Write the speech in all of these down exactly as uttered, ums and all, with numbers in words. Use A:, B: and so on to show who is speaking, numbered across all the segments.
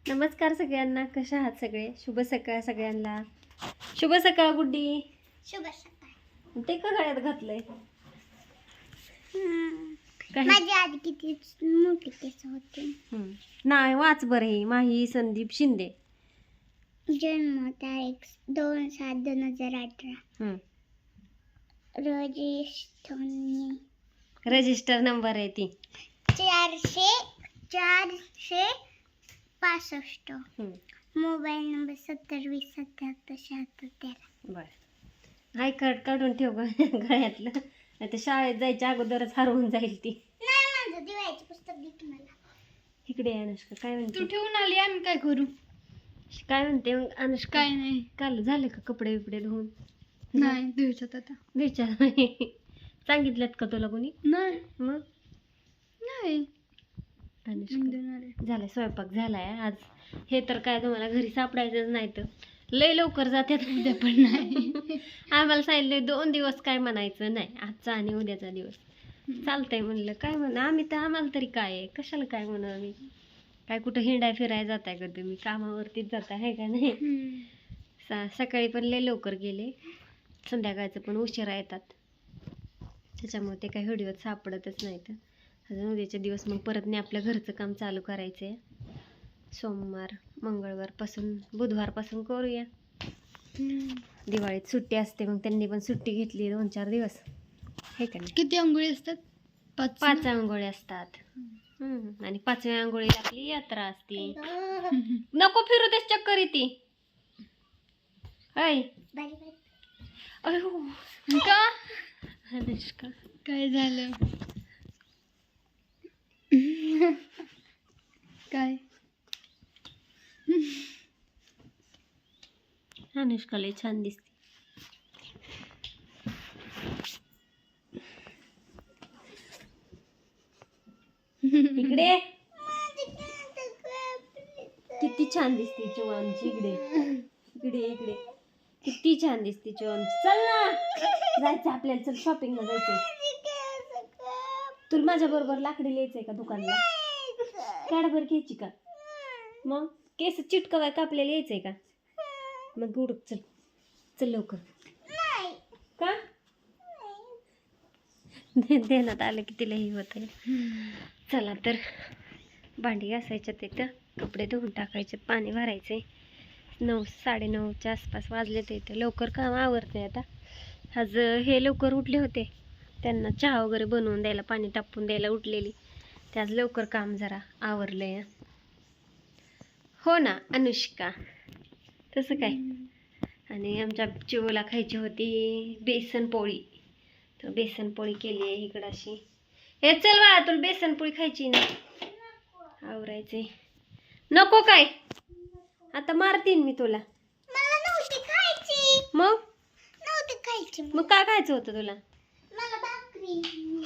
A: नमस्कार सगळ्यांना, कशा आहात सगळे? शुभ सकाळ सगळ्यांना. शुभ सकाळ गुड्डी.
B: शुभ सकाळ.
A: ते का गळ्यात घातलंय? काही-
B: माझी आधी किती मोठी केस होते.
A: हम्म. नाही वाच बरं. हे माही संदीप शिंदे.
B: जन्म तारीख दोन सात दोन हजार अठरा.
A: हम्म.
B: रजिस्टर
A: रजिस्टर नंबर आहे ती.
B: चारशे चारशे पासष्ट.
A: हम्म.
B: मोबाईल नंबर सत्तर वीस सत्याहत्तर शहात्तर तेरा.
A: बर. आय कार्ड काढून ठेव ग गळ्यातलं. नाही तर शाळेत जायच्या अगोदरच हरवून जाईल ती.
B: नाही, माझं दिवाळीचे पुस्तक दे की मला.
A: इकडे आहे अनुष्का. काय म्हणते?
C: तू ठेवून आली, आम्ही काय करू?
A: काय म्हणते मग अनुष्का?
C: काय नाही.
A: काल झाले का कपडे बिपडे धुवून?
C: नाही दिवसात आता
A: विचार सांगितल्यात का तुला कोणी?
C: नाही
A: मग
C: नाही
A: अनुष्का
C: देणार आहे.
A: झालाय स्वयंपाक झालाय आज. हे तर काय तुम्हाला घरी सापडायचंच नाही तर लय लवकर जातात.
C: उद्या पण नाही.
A: आम्हाला सांगितलं दोन दिवस काय म्हणायचं नाही, आजचा आणि उद्याचा दिवस. चालतंय म्हणलं, काय म्हणा आम्ही तर आम्हाला तरी काय आहे, कशाला काय म्हणू आम्ही. काय कुठं हिंडाय फिराय जाताय का तुम्ही? कामावरतीच जाताय आहे का नाही?
C: हम्म.
A: सा सकाळी पण लय लवकर गेले, संध्याकाळचं पण उशिरा येतात, त्याच्यामुळे ते काही व्हिडिओत सापडतच नाहीत. अजून उद्याचे दिवस मग परत नाही आपल्या घरचं काम चालू करायचं आहे. सोमवार मंगळवारपासून बुधवारपासून करूया.
C: हम्म.
A: दिवाळीत सुट्टी असते, मग त्यांनी पण सुट्टी घेतली दोन चार दिवस, हे का नाही?
C: किती अंघोळी असतात? पाच
A: पाच आंघोळी असतात. हम्म. आणि पाचव्या आंघोळीला आपली यात्रा असते. नको फिरू तेच चक्कर येते. ऐ
B: बारी बारी.
A: अयो
C: का?
A: अनुष्का
C: काय झालं? काय?
A: अनुष्का लय छान दिसते. इकडे किती छान दिसते चिव आमची. इकडे इकडे इकडे किती छान दिसते चिव आमची. चल ना, जायचं आपल्याला. चल शॉपिंगला जायचंय. तुला माझ्या बरोबर लाकडी यायचंय का दुकानला? कॅडबर घ्यायची का? मग केस चिटकवाय का आपल्याला यायचंय का? मग उडक. चल चल लवकर. का देण्यात आलं की तिलाही होत आहे. चला तर भांडी घासायच्यात, तिथं कपडे धुवून टाकायचे, पाणी भरायचे. नऊ साडेनऊच्या आसपास वाजले तर इथं लवकर काम आवरते. आता आज हे लवकर उठले होते, त्यांना चहा वगैरे बनवून द्यायला, पाणी तापवून द्यायला उठलेली. ते आज लवकर काम जरा आवरलंय. हो ना अनुष्का, तसं काय. आणि आमच्या चिवला खायची होती बेसन पोळी, तर बेसन पोळी केली आहे इकडं अशी. हे चल बाळा, तुला बेसन पोळी खायची ना? आवरायचे. नको काय? आता मारतीन मी तुला.
B: मला नव्हती खायची.
A: मग
B: नव्हती खायची.
A: मग काय खायचं होतं तुला?
B: मला भाकरी.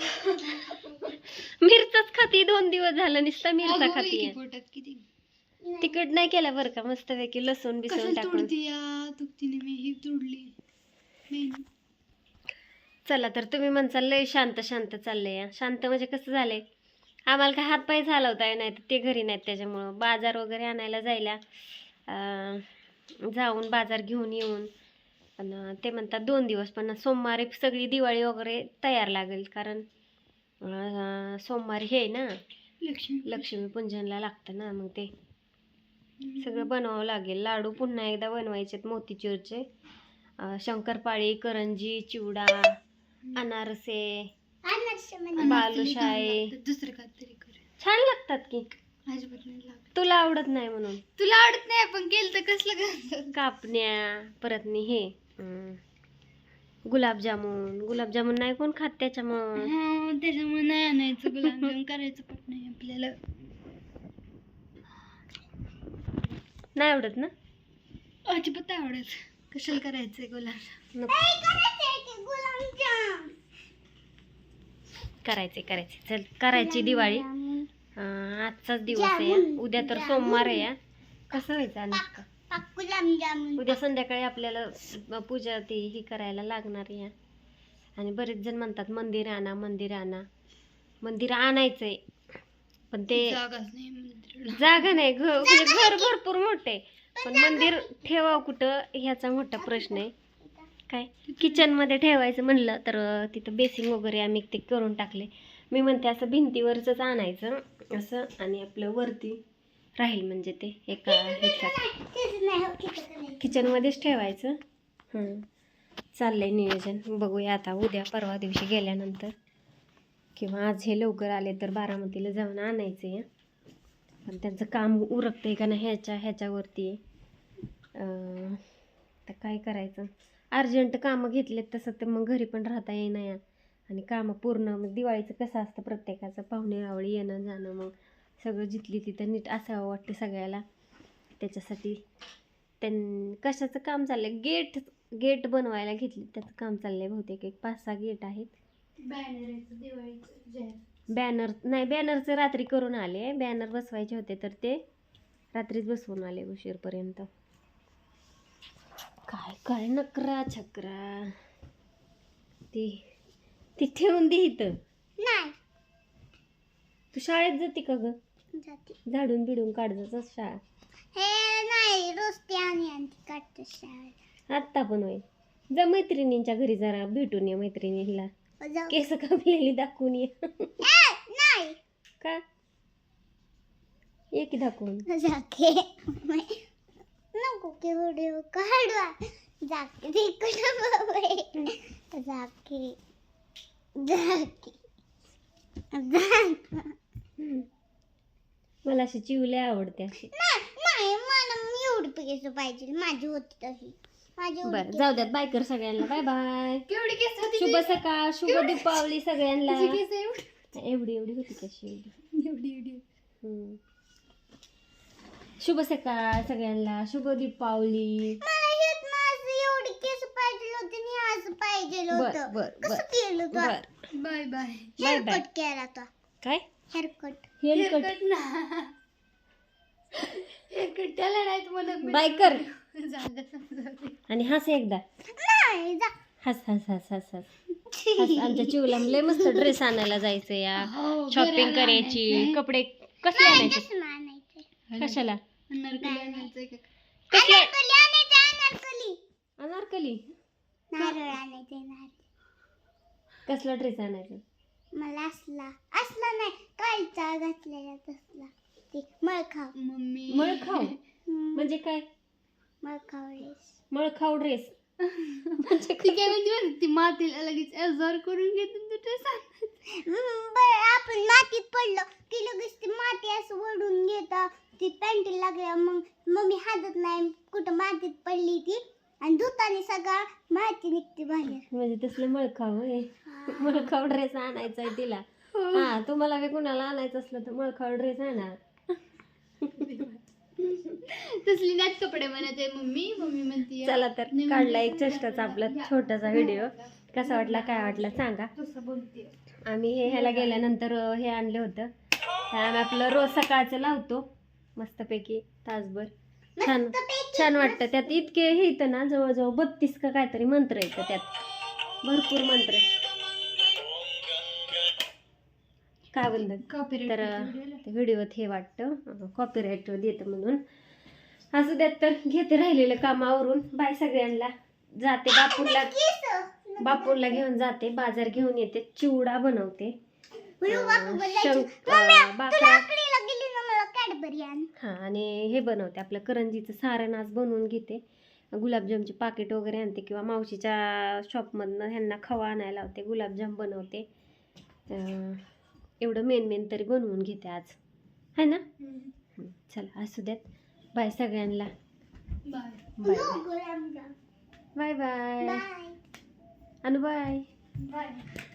A: मिरचाच खाती. दोन दिवस झालं नुसता मिरचा
C: अगं बाई,
A: खाती.
C: किती पोटात किती.
A: तिखट नाही केला बरं का, मस्तपैकी लसूण बिसून
C: कशाला
A: टाकून.
C: तोडती या तुकतीने मी ही तोडली. मेन.
A: चला तर तुम्ही म्हणसाल लय शांत शांत चाललंय. शांत म्हणजे कसं झालंय, आम्हाला काय हातपाय चालवताय नाही तर ते घरी नाहीत, त्याच्यामुळं बाजार वगैरे आणायला जायला अं, जाऊन बाजार घेऊन येऊन. पण ते म्हणतात दोन दिवस, पण सोमवारी सगळी दिवाळी वगैरे तयार लागेल, कारण अं, सोमवारी हे आहे ना
C: लक्ष्मी
A: लक्ष्मी पूजनला लागतं ना, मग ते सगळं बनवावं लागेल. लाडू पुन्हा एकदा बनवायचे मोतीचूरचे, अं, शंकरपाळी, करंजी, चिवडा, अनारसे,
B: अनारसे म्हणजे
C: अनारसे
A: बालुशाही.
C: लागतात. दुसरं काय तरी कर.
A: छान लागतात की.
C: अजिबात नाही लागत.
A: तुला आवडत नाही म्हणून.
C: तुला आवडत नाही पण केलं तर कसलं करतात?
A: कापण्या, परत नी हे अं, गुलाबजामुन. गुलाबजामुन नाही कोण खात, त्याच्यामुळं
C: हा, त्याच्यामुळे नाही आणायचं. गुलाबजाम करायचं पण नाही आपल्याला.
A: नाही आवडत ना?
C: अजिबात नाही आवडत. कशाला करायचंय गुलाबजाम?
A: नको.
B: गुलाबजाम.
A: करायचे करायचे चल करायची दिवाळी. अं, आजचाच दिवस आहे हा. उद्या तर सोमवार आहे हा. कसं व्हायचं अनुष्का?
B: गुलाबजामुन.
A: उद्या संध्याकाळी आपल्याला पूजा ती ही करायला लागणार आहे. आणि बरेच जण म्हणतात मंदिर आणा मंदिर आणा. मंदिर आणायचंय, पण ते
C: जागाच नाही मंदिराला.
A: जागा नाही, घर म्हणजे घर भरपूर मोठे आहे, पण मंदिर ठेवावं कुठं ह्याचा मोठा प्रश्न आहे. काय किचन मध्ये ठेवायचं म्हणलं तर अं, तिथं बेसिंग वगैरे आम्ही ते करून टाकले. मी म्हणते असं भिंतीवरच आणायचं असं, आणि आपलं वरती राहील म्हणजे ते एका ह्याच्यात किचन मध्येच ठेवायचं. हं, चाललंय नियोजन. बघूया आता उद्या परवा दिवशी गेल्यानंतर, किंवा आज हे लवकर आले तर बारामतीला जाऊन आणायचे आहे. पण त्यांचं काम उरकतंय का नाही ह्याच्या ह्याच्यावरती आहे. अं, तर काय करायचं, अर्जंट कामं घेतलेत तसं तर मग घरी पण राहता येईना या, आणि कामं पूर्ण मग दिवाळीचं कसं असतं प्रत्येकाचं पाहुणे रावळी येणं जाणं, मग सगळं जिथली तिथं नीट असावं वाटतं सगळ्याला. त्याच्यासाठी त्यां कशाचं काम चाललंय, गेट गेट बनवायला घेतले त्याचं काम चाललंय बहुतेक. एक पाच सहा गेट आहेत.
C: बॅनर आहे दिवाळीचं जाहीर.
A: बॅनर नाही, बॅनरचं रात्री करून आले, बॅनर बसवायचे होते तर ते रात्रीच बसवून आले उशीरपर्यंत. काय काय नकरा छकरा, ती ती ठेवून दे इथं.
B: नाही
A: तू शाळेत जाते का ग?
B: जाते.
A: झाडून बिडून काढतच शाळा.
B: हे नाही रोज ते आणि आणखी काढतो शाळेत.
A: आत्ता पण होय. जा मैत्रिणींच्या घरी जरा भेटून ये, मैत्रिणीला
B: जाऊ.
A: केस कापलेली दाखवून ये.
B: ए, नाही
A: का ये की दाखवून.
B: जाके नको की व्हिडिओ काढवा. जाके तिकडं बाबा. जाके जाके जाके.
A: मला अशी चिवले आवडते अशी.
B: नाही नाही मला एवढी केस पाहिजे, माझी होती तशी. माझी एवढी
A: बरं
B: केस.
A: जाऊ द्यात, बाय कर सगळ्यांना. Bye bye.
C: केवढी केस होती
A: शुभ
C: तुझी?
A: सकाळ, शुभ दीपावली सगळ्यांना.
C: तुझी केस एवढी
A: एवढी एवढी होती कशी एवढी.
C: एवढी एवढी
A: हम्म. शुभ सकाळ सगळ्यांना, शुभ दीपावली.
B: मला हेच माझं एवढी केस पाहिजे होती आणि हे असं पाहिजे
A: बर
B: होतं.
A: बर
B: कसं
A: बर
B: केलं तू?
A: बर.
C: Bye bye.
A: Bye bye.
B: Haircut केला तो.
A: काय
B: हेअरकट.
A: हेअरकट?
C: हेअरकट ना. हेअरकट त्याला नाही तुम्हाला
A: बाय कर
C: जागा समजावते.
A: आणि हस एकदा.
B: नाही जा.
A: हस हस हस हस हस हस. आमच्या चिवला लय मस्त ड्रेस आणायला जायचं या,
C: हो,
A: शॉपिंग
C: घराला
A: करायची.
C: आणायचंय.
A: कपडे कसले आणायचे?
B: तसं आणायचं.
A: कशाला?
C: नरकली आणायचंय का?
A: कसले?
B: अनारकली आणायचं. अनारकली.
A: अनारकली.
B: नारळ आणायचे. नारळ.
A: कसला ड्रेस आणायचा?
B: मला असला असला नाही कालचा घातलेला तसला. ते मळखाव.
C: मम्मी
A: मळखाव
B: हम्म,
A: म्हणजे काय?
B: मळखाव ड्रेस.
A: मळखाव ड्रेस म्हणजे
C: ती काय म्हणजे माहिती, ती मातीला लगेच एजार करून घेते तू ड्रेस
B: हम्म, बरं आपण मातीत पडलो की लगेच ती माती असं ओढून घेतं. ती पॅन्टी लागल्या मग मम्मी हातत नाही कुठं मातीत पडली ती, आणि धुताने सगळं माती निघते बाहेर.
A: म्हणजे तसलं मळखाव आहे. मळखाव ड्रेस आणायचा आहे तिला. हा तुम्हाला बी कुणाला आणायचं असलं तर मळखाव ड्रेस आणा.
C: तसली नाच कपडे बनवते मम्मी. मम्मी म्हणते
A: चला तर काढला एक चेष्टाचा आपला छोटासा व्हिडिओ. कसा वाटला काय वाटला सांगा.
C: तसं बोलते.
A: आम्ही हे ह्याला गेल्यानंतर अं, हे आणलं होतं. हे आम्ही आपलं रोज सकाळचं लावतो मस्तपैकी तासभर. छान छान वाटतं. त्यात इतके हे येतं ना, जवळजवळ बत्तीस का काहीतरी मंत्र येतं त्यात, भरपूर मंत्र. काय बोलतात
C: Copyright
A: तर
C: video
A: ते व्हिडिओत हे वाटतं कॉपीराईट देतं म्हणून. असू द्यात तर घेते राहिलेलं कामावरून. बाय सगळ्यांना. जाते बापूला बापूला घेऊन जाते, बाजार घेऊन येते, चिवडा बनवते. अं, शंक अं, बाकरा
B: कॅडबरी आण.
A: हां, आणि हे बनवते आपलं करंजीचं सारण आज बनवून घेते. गुलाबजामचे पाकिट वगैरे आणते, किंवा मावशीच्या शॉपमधनं ह्यांना खवा आणायला लावते, गुलाबजाम बनवते. अं, एवढं मेन मेन तरी बनवून घेते आज, है ना. हं, चला असू द्यात. बाय सगळ्यांना.
C: Bye
A: bye bye bye bye.
B: Bye
A: आणि बाय.
C: बाय.